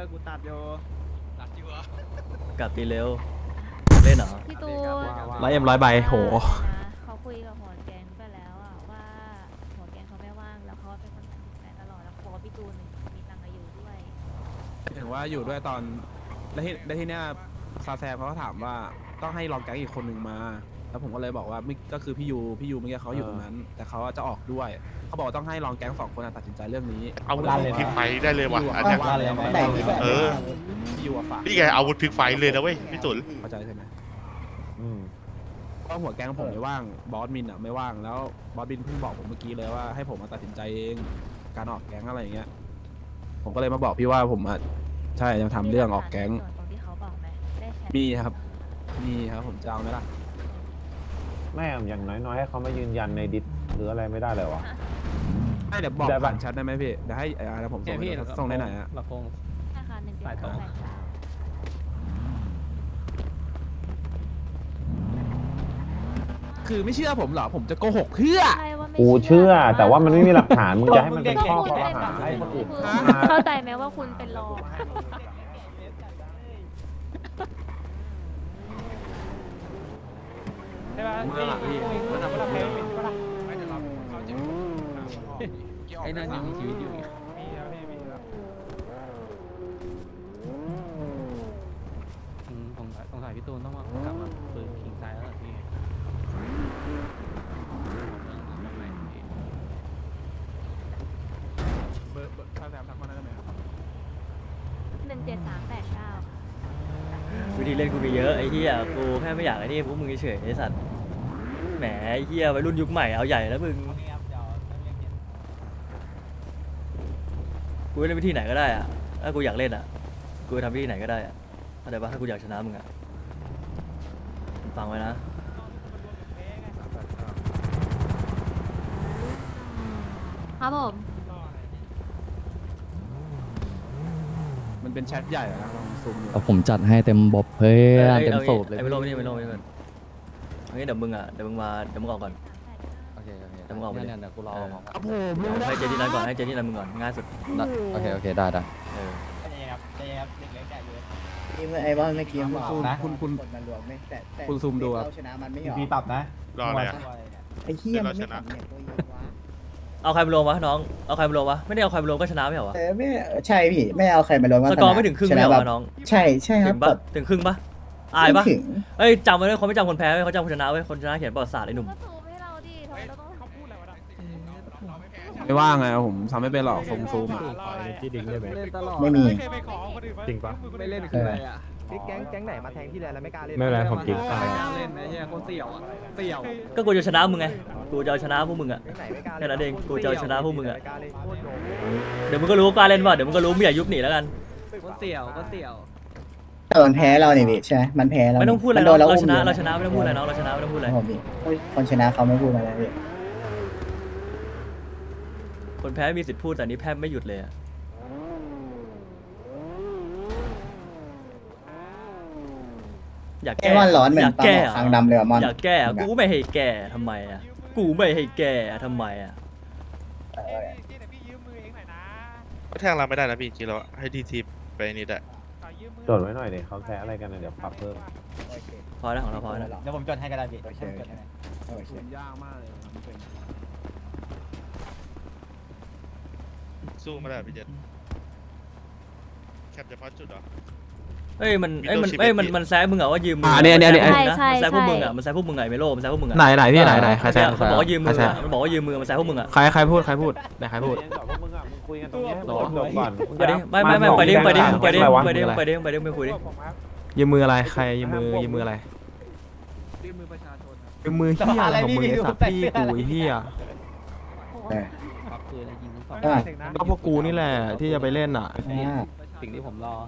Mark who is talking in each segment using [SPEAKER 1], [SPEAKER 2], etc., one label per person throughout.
[SPEAKER 1] กูตัดโย
[SPEAKER 2] กลับตีเร็วเล่นเหรอ
[SPEAKER 3] พี่ตูน
[SPEAKER 4] 100 ใบโห
[SPEAKER 3] เขาคุยกับหัวแกงไปแล้วอะว่าหัวแกงเขาไม่ว่างแล้วเขาเป็นคนตัดสินใจตลอดแล้วบอกว่าพี่ตูนมีตังค์มาอยู่ด้วย
[SPEAKER 4] ถึงว่าอยู่ด้วยตอนแล้วที่เนี้ยซาแซมเขาก็ถามว่าต้องให้รองแก๊งอีกคนหนึ่งมา แล้วผมก็เลยบอกว่าไม่ก็คือพี่ยูเมื่อกี้เขาอยู่ตรงนั้น แต่เขาจะออกด้วยเขาบอกว่าต้องให้รองแก๊ง2 คนตัดสินใจเรื่องนี้
[SPEAKER 5] อาวุธพลิกไฟได้เลยว่ะอันเนี้ย เออ
[SPEAKER 4] พี่ยูอะฝาก
[SPEAKER 5] นี่ไงอาวุธพลิกไฟเลยนะเว้ยพี่ตุล
[SPEAKER 4] เข้าใจใช่ไหมก็หัวแก๊งผมไม่ว่างบอสมินอ่ะไม่ว่างแล้วบอสมินเพิ่งบอกผมเมื่อกี้เลยว่าให้ผมมาตัดสินใจเองการออกแก๊งอะไรอย่างเงี้ยผมก็เลยมาบอกพี่ว่าผมอ่ะใช่ยังทำเรื่องออกแก๊ง
[SPEAKER 3] ส่วนตรงที่เขาบอกไหมได้แชท
[SPEAKER 4] มีครับผมจะเอาไหมล่ะ
[SPEAKER 6] ไม่อย่างน้อยๆให้เขามายืนยันในดิสหรืออะไรไม่ได้เลยวะ
[SPEAKER 4] ไม่เดี๋ยวบอก
[SPEAKER 6] ได้ปะ
[SPEAKER 4] ผ่านแชทได้ไหมพี่เดี๋ยวให้แล้วผมส่งได้ไหนอ่ะ
[SPEAKER 1] ลำโพง
[SPEAKER 3] ธนาคาร1 7
[SPEAKER 1] สายตรง
[SPEAKER 3] 8 9
[SPEAKER 4] คือไม่เชื่อผมเหรอผมจะโกหกเพื่อ
[SPEAKER 3] ใช่ว่าไม่
[SPEAKER 6] กูเชื่อ แต่ว่ามันไม่มีหลักฐานมึงจะให้มันเป็นข้อคอรหาให้คนอื่น
[SPEAKER 3] เข้าใจไหมว่าคุณเป็นรอง
[SPEAKER 1] ใช่ป่ะ
[SPEAKER 4] เมื่อหลังพี่
[SPEAKER 1] มันทำอะไรไอ้นั่นยังมีชีวิตอยู่อีกมีแล้วพี่มีแล้วสงสัยพี่ตูนต้องมากลับมาปืนคิงไซด์แล้วพี่เบอร์ซาแซมทักมาได้ไหมครับ
[SPEAKER 3] 17389
[SPEAKER 2] วิธีเล่นกูมีเยอะไอ้เหี้ยกูแค่ไม่อยากไอ้นี่พวกมึงเฉยๆไอ้สัตว์แหมไอ้เหี้ยวัยรุ่นยุคใหม่เอาใหญ่แล้วมึงกูเล่นวิธีไหนก็ได้อะถ้ากูอยากเล่นอะกูทำวิธีไหนก็ได้อะเข้าใจปะถ้ากูอยากชนะมึงอะฟังไว้นะ
[SPEAKER 3] ครับผม
[SPEAKER 4] มันเป็นแชทใหญ่อะนะลองซูมดู
[SPEAKER 7] เอาผมจัดให้เต็มบบเพื่อนเต็มสูบเลย
[SPEAKER 2] ไอ้ไม่ลงไม่ลงไม่ลงเอางี้เดี๋ยวมึงอะเดี๋ยวมึงออกก่อน
[SPEAKER 7] โอเคโอเค
[SPEAKER 2] เดี๋ยวมึงออกไปเลย
[SPEAKER 7] เนี่ยกูรอ
[SPEAKER 4] ครับผมรู้นะ
[SPEAKER 2] ให้เจที่นั้นก่อนให้เจที่นั้นมึงก่อนง่ายสุด
[SPEAKER 7] โอเคโอเคได้ได้
[SPEAKER 2] เออ
[SPEAKER 8] ไอ้ว่าเมื่อกี้
[SPEAKER 4] คุณ
[SPEAKER 8] กดมันรวมไม่แต่
[SPEAKER 4] คุณซูมดูครับ
[SPEAKER 8] เราชนะมันไม่หรอ
[SPEAKER 6] มีปรับนะ
[SPEAKER 5] รออะไรอ่ะ
[SPEAKER 8] ไอ้เหี้ยมันไม่
[SPEAKER 5] เดี๋ยวเราชนะ
[SPEAKER 8] ทำเนี่ยตัวเองวะ
[SPEAKER 2] เอาใครมาลงวะน้องเอาใครมาลงวะไม่ได้เอาใครมาลงก็ชนะไม่เหรอวะ
[SPEAKER 8] ไม่ใช่พี่ไม่เอาใครมารวม
[SPEAKER 2] สกอร์ไม่ถึงครึ่งไม่เหรอวะน้อง
[SPEAKER 8] ใช่ใช่ค
[SPEAKER 2] ถึ
[SPEAKER 8] รับ
[SPEAKER 2] งปะถึงครึ่งปะอายปะ
[SPEAKER 8] ไม่ถึง
[SPEAKER 2] เอ้ยจำไว้เลยเขาไม่จำคนแพ้เว้ยเขาจำคนชนะเว้ยคนชนะเขียนประวัติศาสตร์ไอ้หนุ่ม
[SPEAKER 3] ก็ซูมให้เราดิทำไมเราต้องเขาพูดอะไรวะ
[SPEAKER 4] ไม่ว่างไงผมทำไม่เป็นหรอกซูมอะ
[SPEAKER 6] ที่ดิ้งได้ไหม
[SPEAKER 8] ไม่มี
[SPEAKER 6] จริงปะ
[SPEAKER 1] ไม่เล่นคืออะไรอ่ะแก๊งไหนมาแทงที่แลนแล้วไม่กล้าเล่น
[SPEAKER 6] ไม่เป็นไรผมจริง
[SPEAKER 1] ไม่กล้าเล่นนะเฮียโคตรเสี่ยวอ่ะเสี่ยว
[SPEAKER 2] ก็กูจะชนะมึงไงกูจะเอาชนะพวกมึงอะ
[SPEAKER 1] แก๊งไหนไม่กล้า
[SPEAKER 2] แค่นั้นเองกูจะเอาชนะพวกมึงอะ
[SPEAKER 1] ไม่กล้าเล่นโคตรโดน
[SPEAKER 2] เดี๋ยวมึงก็รู้ว่ากล้าเล่นป่ะเดี๋ยวมึงก็รู้ไม่อยากยุบหนีแล้วกัน
[SPEAKER 1] โคตรเสี่ยวโคตรเสี่ยว
[SPEAKER 8] แต่มันแพ้เราเนี่ยพี่ใช่ไหมมันแพ้เรา
[SPEAKER 2] ไม่ต้องพูดอะไร
[SPEAKER 8] มัน
[SPEAKER 2] น้
[SPEAKER 8] โด
[SPEAKER 2] อง
[SPEAKER 8] นเรา
[SPEAKER 2] เรา
[SPEAKER 8] อุ้
[SPEAKER 2] ช
[SPEAKER 8] ม
[SPEAKER 2] นะ
[SPEAKER 8] อยู่
[SPEAKER 2] เราชนะไม่ต้องพูดอะไรน้องเราชนะไม่ต้องพูดอะไร
[SPEAKER 8] ผมพี่คนชนะเขาไม่พูดอะไรพี่
[SPEAKER 2] คนแพ้มีสิทธิ์พูดแต่นี้แพ้ไม่หยุดเลยอะอยาก
[SPEAKER 8] ไอ้
[SPEAKER 2] แก้
[SPEAKER 8] มอนร้อนเหมือน
[SPEAKER 2] อยาก
[SPEAKER 8] ปลาห
[SPEAKER 2] แก้
[SPEAKER 8] มอคางดำเลยว่ะมอน
[SPEAKER 2] อยากแก้กูไม่ให้แก้ทำไมอะกูไม่ให้แก้ทำไมอะ
[SPEAKER 5] ก็แทงเราไม่ได้นะพี่จริงๆแล้วให้ทีทีไปนี่ได้
[SPEAKER 6] จดไว้หน่อยเดี๋ยวเขาแค่อะไรกันนะเดี๋ยวปรับเพิ่ม
[SPEAKER 2] พอแล้วของเราพอแล้ว
[SPEAKER 8] เดี๋ยวผมจดให้ก็ได้พี่โอเค
[SPEAKER 4] ซูมยากมากเลยทำเป็น
[SPEAKER 5] สู้ไม่ได้พี่เจษแคปเฉพาะจุดเหรอ
[SPEAKER 2] เอ้ยมัน
[SPEAKER 5] มี
[SPEAKER 2] เอ้ย
[SPEAKER 5] ตัว
[SPEAKER 2] มัน
[SPEAKER 5] ชิป
[SPEAKER 2] เอ้ย
[SPEAKER 5] เอ็ด
[SPEAKER 2] มัน
[SPEAKER 5] ดิ
[SPEAKER 2] มันแซะมึงอะว่ายืมมื
[SPEAKER 4] อันนี้
[SPEAKER 2] มันแซะพวกมึงอะมันแซะพวกมึงอะไอ้เมโลมันแซะพวกมึงอะ
[SPEAKER 4] ไหนพี่ไหนใครแซง
[SPEAKER 2] มันบอกว่ายืมมือ
[SPEAKER 4] ใครแซ
[SPEAKER 2] อะ
[SPEAKER 4] ง
[SPEAKER 2] มันบอกว่ายืมมือมันแซะพวกมึงอะ
[SPEAKER 4] ใครพูดไหนใครพูด
[SPEAKER 6] พวกมึงอ่ะมึงคุยกันตรงนี้จบก่อน
[SPEAKER 2] ไปดิไม่ไปดิไปดิไปดิไปดิไปดิไปดิไม่คุยดิ
[SPEAKER 4] ยืมมืออะไรใครยืมมืออะไร
[SPEAKER 1] ยื่นมือประชาชน
[SPEAKER 4] ยืมมือเฮียอะไรของมึงไอ้สัตว์พี่กูไอ้เฮีย
[SPEAKER 1] ปักปืนอะไรยิงทั้งสอง
[SPEAKER 4] ก็พวกกูนี่แหละที่จะไปเล่นอ่ะ
[SPEAKER 1] สิ่งที่ผมรอ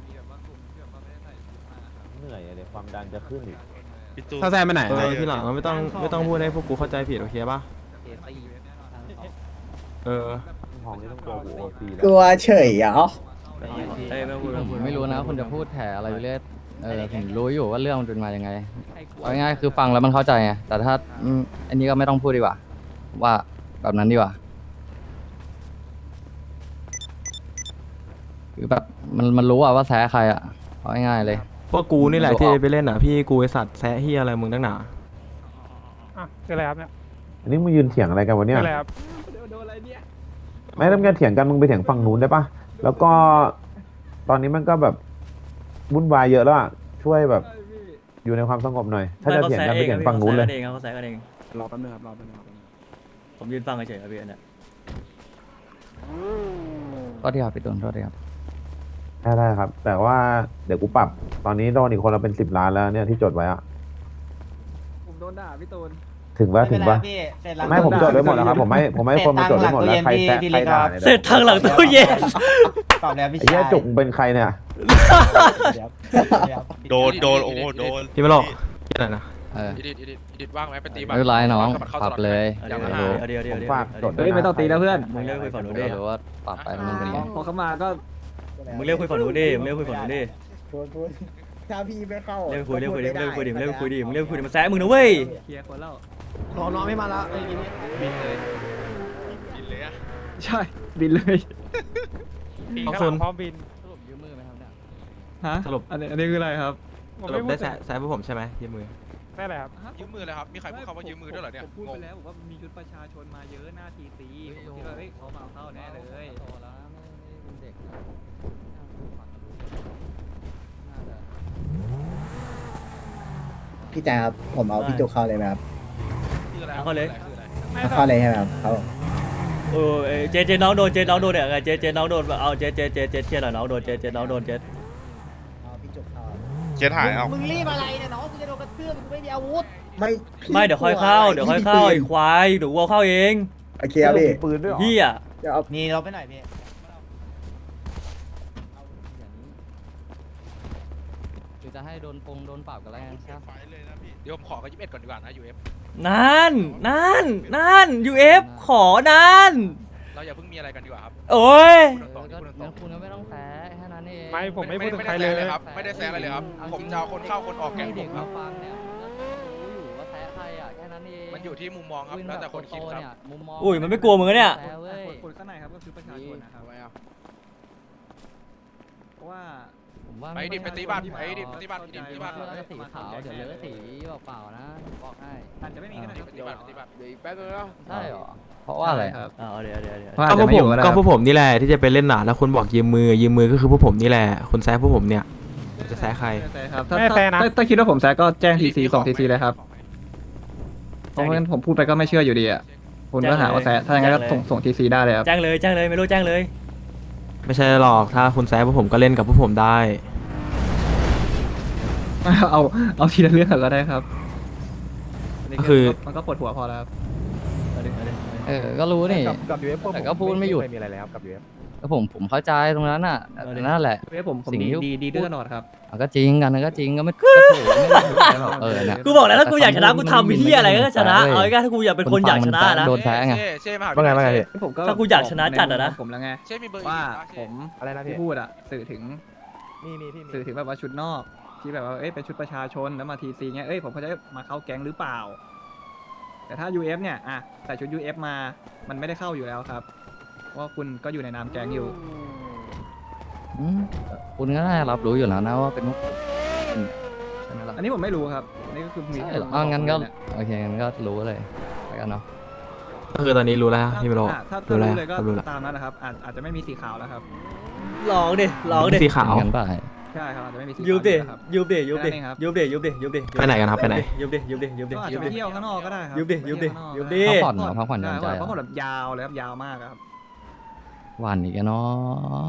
[SPEAKER 6] เหนื่อยเดี๋ยวความดันจะขึ้นอีก
[SPEAKER 5] พี่ตู้
[SPEAKER 4] ถ้าแซมไปไหนที่หลังไม่ต้องพูดให้พวกกูเข้าใจผิดโอเคป่ะ
[SPEAKER 1] เอซี่
[SPEAKER 4] เออ
[SPEAKER 6] ห้องนี้ต้องเจอกูโอซี
[SPEAKER 8] กลัวเฉยเหรอ
[SPEAKER 2] เอ้ยไม่พูด
[SPEAKER 7] ผมไม่รู้นะคุณจะพูดแถอะไรไปเรื่อยผมรู้อยู่ว่าเรื่องมันเป็นมายังไงเอาง่ายๆคือฟังแล้วมันเข้าใจไงแต่ถ้าอันนี้ก็ไม่ต้องพูดดีกว่า ว่าแบบนั้นดีกว่าคือแบบมันรู้อะว่าแซะใครอะเอาง่ายๆเลย
[SPEAKER 9] พวกกูนี่แหละที่ไปเล่นอ่ะพี่กูไอสัตว์แซะเฮียอะไรมึงตั้งหนา
[SPEAKER 1] คืออะไรครับเนี่ย
[SPEAKER 6] อันนี้มึงยืนเถียงอะไรกันวะเนี่ย
[SPEAKER 1] คืออะไรครับ
[SPEAKER 6] ไม่ต้องการเถียงกันมึงไปเถียงฝั่งนู้นได้ปะแล้วก็ตอนนี้มันก็แบบวุ่นวายเยอะแล้วอะช่วยแบบอยู่ในความสงบหน่อย ถ้าจะเถียงกันไปเถียงฝั่งนู้นเลย
[SPEAKER 2] เขาแซะกันเอง
[SPEAKER 4] รอแป๊บนึงครับรอแป๊บนึงครับ
[SPEAKER 2] ผมยืนฟังเฉยๆครับพี่อันเนี้ย
[SPEAKER 7] ก็ที่ครับพี่ตูนโทษทีครับ
[SPEAKER 6] ได้ครับ แต่ว่าเดี๋ยวกูปรับตอนนี้โดนอีกคนละเป็น10 ล้านแล้วเนี่ยที่จดไว้อะ
[SPEAKER 1] ผมโดนด่าพี่ตูน
[SPEAKER 6] ถึงปะไม่ผมจดไว้หมดแล้วครับผมให้คนมาจดไว้หมดแล้วใครแซะใครด่านี่ย
[SPEAKER 2] เสร็จทางหลังตู้เย็น
[SPEAKER 8] ตอบแล้วพี่
[SPEAKER 6] ไอ้เหี้ยจุกมึงเป็นใครเนี่ย
[SPEAKER 5] โดนโอ้โหโดน
[SPEAKER 9] พี่ไม่หรอกเฮียอะไรนะ
[SPEAKER 7] เออ
[SPEAKER 5] ดิดว่างไหมไปตี
[SPEAKER 7] ไม่เป็นไรน้องปรับเลย
[SPEAKER 2] เดี๋ยว
[SPEAKER 6] ผมฝากจด
[SPEAKER 1] เฮ้ยไม่ต้องตีนะเพื่อน
[SPEAKER 2] มึงเลิกคุยฝั่งนู้นดิ
[SPEAKER 7] ก็รู้ว่าปรับไปมันเป็นไง
[SPEAKER 1] พอเขามาก็
[SPEAKER 2] มึงเลิกคุยฝั่งนู้นดิมึงเลิกคุยฝั่งนู้นดิ
[SPEAKER 8] พูดถ้าพี่ไม่เข้า
[SPEAKER 2] เลิกคุยดิมึงเลิกคุยดิมึงเลิกคุยดิมันแซะมึงนะเว้ย
[SPEAKER 1] เคลียร์คนแล้ว
[SPEAKER 4] รอน้องไม่มาละ
[SPEAKER 5] บินเลยอะ
[SPEAKER 1] ใช่บินเลย
[SPEAKER 9] เอาโซน
[SPEAKER 1] พร้อมบิน
[SPEAKER 7] สรุปยืมมือไหมครับเนี่ย
[SPEAKER 1] ฮะ
[SPEAKER 9] สรุป
[SPEAKER 1] อันนี้คืออะไรครับ
[SPEAKER 9] สรุปได้แซะพวกผมใช่ไหมยืมมือ
[SPEAKER 1] ได้อะไรครับ
[SPEAKER 5] ยืมมือเลยครับมีใครพูดคำว่ายืมมือด้วยเหรอเนี่ย
[SPEAKER 1] ผมพูดไปแล้วบอกว่ามีชุดประชาชนมาเยอะหน้าทีซีผมคิดว่าเฮ้ยเขามาเอาเข้าแน่เลย
[SPEAKER 7] โตแล้วนะไม่เป็นเด็กนะน่าจะ
[SPEAKER 8] พี่แจ๊คครับผมเอาพี่จุกเข้าเลยไหมครับ
[SPEAKER 5] คืออะไร
[SPEAKER 2] เอาเข้าเลย
[SPEAKER 5] คืออะไร
[SPEAKER 8] เอาเข้าเลยใช่ไหมครับเขา
[SPEAKER 2] โอ้เจน้องโดนเนี่ยไงเจน้องโดนเอาเจเคลียร์หน่อยน้องโดนเจน้องโดนเจ
[SPEAKER 8] เอาพี่จุกเข้า
[SPEAKER 5] เจ็ดหายเอา
[SPEAKER 8] มึงรีบอะไรเนี่ยน้องกูจะโดนกระทืบมึงไม่มีอาวุธ
[SPEAKER 2] ไม่เดี๋ยวค่อยเข้าไอ้ควายเดี๋ยวกูเอาเข้าเอง
[SPEAKER 8] โอเคครับพี่
[SPEAKER 6] ปืนด้วยเหรอ
[SPEAKER 2] เฮีย
[SPEAKER 8] เดี๋ยวเอานี่เราไปไหนพี่
[SPEAKER 7] หรือจะให้โดนปรับกันแล้วกันใช่ไหม
[SPEAKER 5] ไฟเลยนะพี่เดี๋ยวผมขอกับ21ก่อนดีกว่านะ UF
[SPEAKER 2] นั่น UF ขอนาน
[SPEAKER 5] เราอย่าเพิ่งมีอะไรกันดีกว่าครับ
[SPEAKER 2] โอ้ย
[SPEAKER 7] ก็งั้นคุณก็ไม่ต้องแซะแค่นั้นเอง
[SPEAKER 1] ไม่ผมไม่พูดถึง
[SPEAKER 5] ไม่
[SPEAKER 1] ใคร
[SPEAKER 5] ได้
[SPEAKER 1] เล
[SPEAKER 5] แซะ
[SPEAKER 1] ย
[SPEAKER 5] เลยครับไม่ได้แซะอะไรเลยครับผมจะเอาคนเข้าคนออกแกง
[SPEAKER 7] ให้
[SPEAKER 5] ผ
[SPEAKER 7] เด็
[SPEAKER 5] ม
[SPEAKER 7] ก
[SPEAKER 5] ครั
[SPEAKER 7] มา
[SPEAKER 5] บ
[SPEAKER 7] ฟังเนี่ยมันก็รู้อยู่ว่าแซะใครอ่ะแค่นั้นเอง
[SPEAKER 5] มันอยู่ที่มุมมองครับแล้วแต่คนคิดครับ
[SPEAKER 7] มุมมอง
[SPEAKER 2] อุ้ยมันไม่กลัวมึงอะเนี่ย
[SPEAKER 7] แซะเว้ย
[SPEAKER 1] คนข้างในครับก็คือประชาชนนะครับเพราะว่า
[SPEAKER 7] ผมว่า
[SPEAKER 5] ไปดิไปตีบ้านไปดิไปตีบ้านไปดิไปตีบ้าน
[SPEAKER 7] เสื้อสีขาวเดี๋ยวเลอะสีเปล่าๆนะบอกให้
[SPEAKER 1] อาจจะไม่มีก็ได้ครับ
[SPEAKER 5] ไปตีบ้านไปตีบ้าน
[SPEAKER 7] ใช่หรอเพราะว่าอะไร
[SPEAKER 1] ครับ
[SPEAKER 2] เอาเดี๋ยว
[SPEAKER 9] ก็พวกผมก็พวกผมนี่แหละที่จะไปเล่นหนาแล้วคุณบอกยืมมือก็คือพวกผมนี่แหละคุณแซะพวกผมเนี่ยจะแซะใคร
[SPEAKER 1] ไม่แซะครับถ้าคิดว่าผมแซะก็แจ้งทีซีส่งทีซีเลยครับเพราะงั้นผมพูดไปก็ไม่เชื่ออยู่ดีอ่ะคุณก็หาว่าแซะถ้าอย่างนั้นก็ส่งทีซีได้เลยครับ
[SPEAKER 2] แจ้งเลยไม่รู้แจ้งเลย
[SPEAKER 9] ไม่ใช่หรอกถ้าคุณแซะพวกผมก็เล่นกับพวกผมได้
[SPEAKER 1] เอาทีละเรื่องก็ได้ครับ
[SPEAKER 9] ก็คือ
[SPEAKER 1] มันก็ปวดหัวพอแล้วครับ
[SPEAKER 7] ก็รู้นี่
[SPEAKER 6] กับ UF
[SPEAKER 7] แต่ก็พูดไม่หยุด
[SPEAKER 6] มีอะไรเลยครับกับ UF
[SPEAKER 7] ก็ผมเข้าใจตรงนั้นน่ะแต่นั่นแหละ
[SPEAKER 1] ผม
[SPEAKER 7] สิ่งที่
[SPEAKER 1] ดีด้วยตลอดครับ
[SPEAKER 7] ก็จริงกันก็จริงก็ไม่ถูกไม่ได้ถูกอะไรหรอกเนี่ย
[SPEAKER 2] กูบอกแล้วถ้ากูอยากชนะกูทำที่อะไรก็ชนะเอาง่ายๆถ้ากูอยากเป็นคนอยากชนะนะ
[SPEAKER 7] โดนแซะไง
[SPEAKER 5] เช่มา
[SPEAKER 6] ว่าไงว่าไงพี่
[SPEAKER 1] ผมก็
[SPEAKER 2] ถ้ากูอยากชนะจัดอะนะ
[SPEAKER 1] ผมแล้วไง
[SPEAKER 5] เช่มีเบอร์
[SPEAKER 1] ว่า
[SPEAKER 5] อีก
[SPEAKER 1] ผม
[SPEAKER 6] อะไรนะพี่
[SPEAKER 1] ที่พูดอะสื่อถึง
[SPEAKER 6] มีพี่
[SPEAKER 1] สื่อถึงแบบว่าชุดนอกที่แบบว่าเอ้ยเป็นชุดประชาชนแล้วมาทีซีเงี้ยเอ้ยผมเขาจะมาเข้าแก๊งหรือเปล่า แต่ถ้า UF เนี่ยอะใส่ชุด UF มามันไม่ได้เข้าอยู่แล้วครับเพราะว่าคุณก็อยู่ในนามแก๊งอยู่
[SPEAKER 7] คุณก็น่ารับรู้อยู่แล้วนะว่าเป็นมุกใช่ไหมล่ะ
[SPEAKER 1] อันนี้ผมไม่รู้ครับอันนี่ก็คือมี
[SPEAKER 7] ใช่เหรองั้นก็โอเคงั้นก็รู้เลยแล้วกันเนาะ
[SPEAKER 9] ก็คือตอนนี้รู้แล้วพี่ไม่รู้
[SPEAKER 1] ถ้า
[SPEAKER 9] รู้แล้ว
[SPEAKER 1] รู้เลยก็
[SPEAKER 9] รู้แล้ว
[SPEAKER 1] ตามนั้นนะครับอาจจะไม่มีสีขาวแล้วครับ
[SPEAKER 2] ลองดิ
[SPEAKER 9] สีขาว
[SPEAKER 7] งั้นไป
[SPEAKER 1] ใช่ครับอาจจะไม่มีสี
[SPEAKER 2] ยู
[SPEAKER 1] ขาว
[SPEAKER 2] ดิ
[SPEAKER 1] แล้วครับ
[SPEAKER 2] ยูดิ
[SPEAKER 1] แค่นั้นเองครับ
[SPEAKER 9] ไปไหนกันครับไปไหน
[SPEAKER 2] ยูดิ
[SPEAKER 1] ก็อาจจะไปเที่ยวข้างนอกก็ได้ครั
[SPEAKER 2] ยุบดิ
[SPEAKER 1] ไปเที่ยวข้างนอก
[SPEAKER 2] ยุบดิ
[SPEAKER 7] พักผ่อนเหรอพักผ่อนหย่อนใจ
[SPEAKER 1] ใช่
[SPEAKER 7] เหร
[SPEAKER 1] พักผ่อน
[SPEAKER 7] อ
[SPEAKER 1] แบบยาวเลยครับยาวมากครับ
[SPEAKER 7] หวานอีกแล้วเนาะ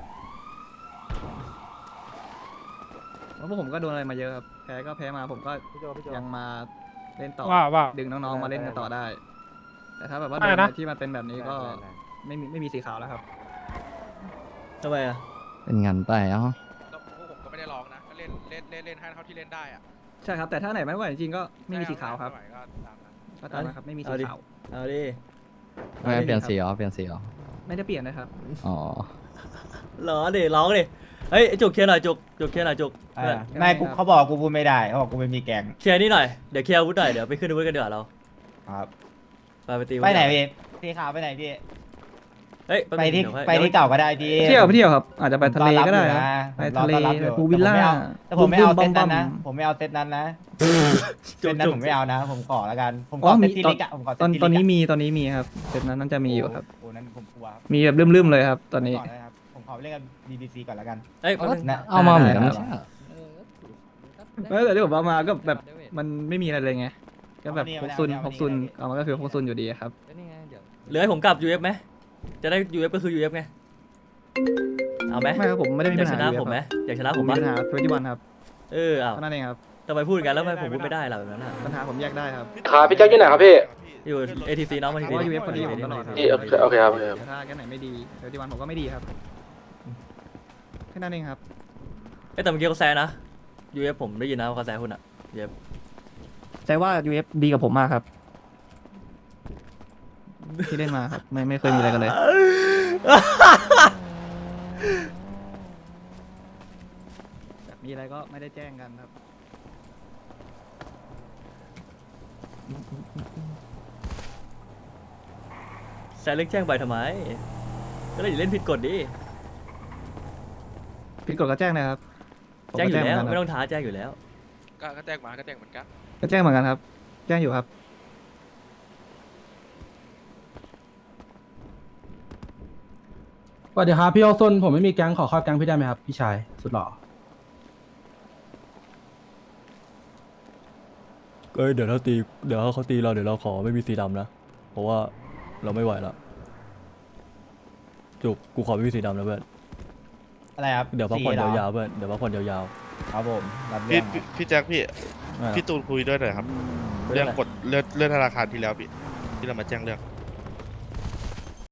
[SPEAKER 1] เพราะพวกผมก็โดนอะไรมาเยอะครับแพ้ก็แพ้มาผมก็ยังมาเล่นต่อ
[SPEAKER 10] ว่า
[SPEAKER 1] ดึงน้องๆมาเล่นกันต่อได้ แต่ถ้าแบบว่าโด
[SPEAKER 10] อะไร
[SPEAKER 1] น
[SPEAKER 10] นะ
[SPEAKER 1] ที่มันเป็นแบบนี้ก็ไม่มีสีขาวแล้วครับ
[SPEAKER 2] ทำไมอะ
[SPEAKER 7] เป็นงานไปเอ้า
[SPEAKER 5] แล้วพวกผมก็ไม่ได้ร้องนะก็เล่นให้เท่าที่เล่นได้อะ
[SPEAKER 1] ใช่ครับแต่ถ้าไหนไม่ไหวจริงๆก็ไม่มีสีขาวครับ
[SPEAKER 5] ไม่ไหวก็ตามนั้น
[SPEAKER 1] ก็ตามนะครับไม่มีสีขาว
[SPEAKER 2] เอาดิ
[SPEAKER 7] ไม่เปลี่ยนสีเหรอเปลี่ยนสีเหรอ
[SPEAKER 1] ไม่ได้เปลี่ยนนะครับ
[SPEAKER 7] อ๋อ
[SPEAKER 2] ร้องดิเฮ้ยจุกเคลียร์หน่อยจุกเคลียร์หน่อยจุก
[SPEAKER 8] ไม่กูเขาบอกกูพูดไม่ได้เขาบอกกูไม่มีแกง
[SPEAKER 2] เคลียร์นี่หน่อยเดี๋ยวเคลียร์อาวุธหน่อยเดี๋ยวไปขึ้นอาวุธกันเดี๋ยวาเรา
[SPEAKER 8] ครับ
[SPEAKER 2] ไปตี
[SPEAKER 8] ไปไหนพี่สีขาวไปไหนพี่
[SPEAKER 2] เฮ้ยแป๊บ
[SPEAKER 8] ไป
[SPEAKER 2] นึง
[SPEAKER 8] ที่
[SPEAKER 2] เดี๋ยวค่อย
[SPEAKER 8] ไปที่เก่าก็ได้พี่
[SPEAKER 1] เที่ยวครับ อาจจะไปทะเลก็ได้ครับไปทะเลไปพูลวิลล่า
[SPEAKER 8] แต่ผมไม่เอา
[SPEAKER 1] บึ้
[SPEAKER 8] เซตนั้น
[SPEAKER 1] ๆ
[SPEAKER 8] นะ
[SPEAKER 1] บั้ม
[SPEAKER 8] ผมไม่เอาเซตนั้นนะ
[SPEAKER 2] จุ
[SPEAKER 8] เซ
[SPEAKER 2] ก
[SPEAKER 8] ตนั้น
[SPEAKER 2] จุก
[SPEAKER 8] ผมไม่เอานะ ผมขอแล้วกัน ผม
[SPEAKER 1] อ๋
[SPEAKER 8] ข
[SPEAKER 1] อ
[SPEAKER 8] อเซ
[SPEAKER 1] มี
[SPEAKER 8] ตที่
[SPEAKER 1] ตอน
[SPEAKER 8] ลิกอะผมขอเซต
[SPEAKER 1] ตอน
[SPEAKER 8] ที่
[SPEAKER 1] ตอน
[SPEAKER 8] ลิ
[SPEAKER 1] นี้
[SPEAKER 8] กะ
[SPEAKER 1] มีครับเซตนั้นจะมีอยู่ครับ
[SPEAKER 8] โอ้นั้นผมกลัว
[SPEAKER 1] มีแบบลืมๆเลยครับ ตอนนี้
[SPEAKER 8] ก่อนนะครับผมขอไปเล่นกับ BBC ก่อนแล้วกัน
[SPEAKER 2] เอ้ยแป๊บนึง
[SPEAKER 8] นะ
[SPEAKER 7] เอามาเหมือนกันไม่ใช่เหรอ
[SPEAKER 1] แต่ที่ผมเอามาก็แบบมันไม่มีอะไรเลยไงก็แบบพกซุนเอามาก็คือพกซุนอยู่ดีครับ
[SPEAKER 2] เหลือให้ผมกลับ UF ไหมจะได้ UF ก็คือ UF ไงเอาไหม
[SPEAKER 1] ไม่ครับผมไม่ได้มี
[SPEAKER 2] อยา
[SPEAKER 1] ปั
[SPEAKER 2] ก
[SPEAKER 1] ญ
[SPEAKER 2] ช
[SPEAKER 1] หา
[SPEAKER 2] นะผมไหมอยากชนะ
[SPEAKER 1] ผ
[SPEAKER 2] ผม ม
[SPEAKER 1] มี
[SPEAKER 2] ปะ
[SPEAKER 1] ปัญหา21ครับ
[SPEAKER 2] อ้าว
[SPEAKER 1] เท่านั้นเองครับ
[SPEAKER 2] ทำไมพูดกันแล้วทำไมผมพูดไม่ได้ล่ะแบบนั้นอ่ะ
[SPEAKER 1] ปัญหาผมแยกได้ครับ
[SPEAKER 9] ครับพี่แจ็คอยู่ไหนครับพี่
[SPEAKER 2] อยู่ ATC น้องมาที
[SPEAKER 1] เพราะว่า UF คนดีผมตลอดครับ
[SPEAKER 9] โอเคครับโอเคครับ
[SPEAKER 1] ถ้าแค่ไหนไม่ดี21ผมก็ไม่ดีครับแค่นั้นเองครับ
[SPEAKER 2] เอ้ยแต่เมื่อกี้เขาแซะนะ UF ผมได้ยินนะว่าเขาแซะคุณอ่ะ UF
[SPEAKER 1] ใจว่า UF ดีกับผมมากครับ ที่เล่นมาครับไม่เคยมีอะไรกันเลย แบบมีอะไรก็ไม่ได้แจ้งกันครับ
[SPEAKER 2] แซะเรื่องแจ้งใบทำไม ก็เลยอย่าเล่นผิดกฎดิ
[SPEAKER 1] ผิดกฎก็แจ้งนะครับผม
[SPEAKER 2] แจ้งอยู่แล้ว
[SPEAKER 1] ก็
[SPEAKER 2] ไม่ต้องท้าแจ้งอยู่แล้ว
[SPEAKER 5] ก็แจ้งมาก็แจ้งเหมือนกัน
[SPEAKER 1] ก็แจ้งเหมือนกันครับ แจ้งอยู่ครับ
[SPEAKER 4] สวัสดีครับพี่โอซุนผมไม่มีแก๊งขอเข้าแก๊งพี่ได้ไหมครับพี่ชายสุดหล่อ
[SPEAKER 2] เอ้ยเดี๋ยวเขาตีเราเดี๋ยวเราขอไม่มีสีดำนะ เพราะว่าเราไม่ไหวละจุกกูขอไม่มีสีดำนะเพื่อน
[SPEAKER 8] อะไรครับ
[SPEAKER 2] เดี๋ยวพักผ่อน
[SPEAKER 8] 4หร
[SPEAKER 2] ยาวๆเพื่อนเดี๋ยวพักผ่อนยาว
[SPEAKER 8] ครับผมรับ
[SPEAKER 5] พี่
[SPEAKER 8] เรื่องครับ
[SPEAKER 5] พี่แจ็คพี่
[SPEAKER 2] ๆอ่ะ
[SPEAKER 5] พี่ตูนคุยด้วยหน่อยครับ
[SPEAKER 2] เรื่
[SPEAKER 5] เรื่
[SPEAKER 2] อ
[SPEAKER 5] อง ง
[SPEAKER 2] อะไร
[SPEAKER 5] กฎเรื่องธนาคารที่แล้วพี่ที่เรามาแจ้งเรื่อง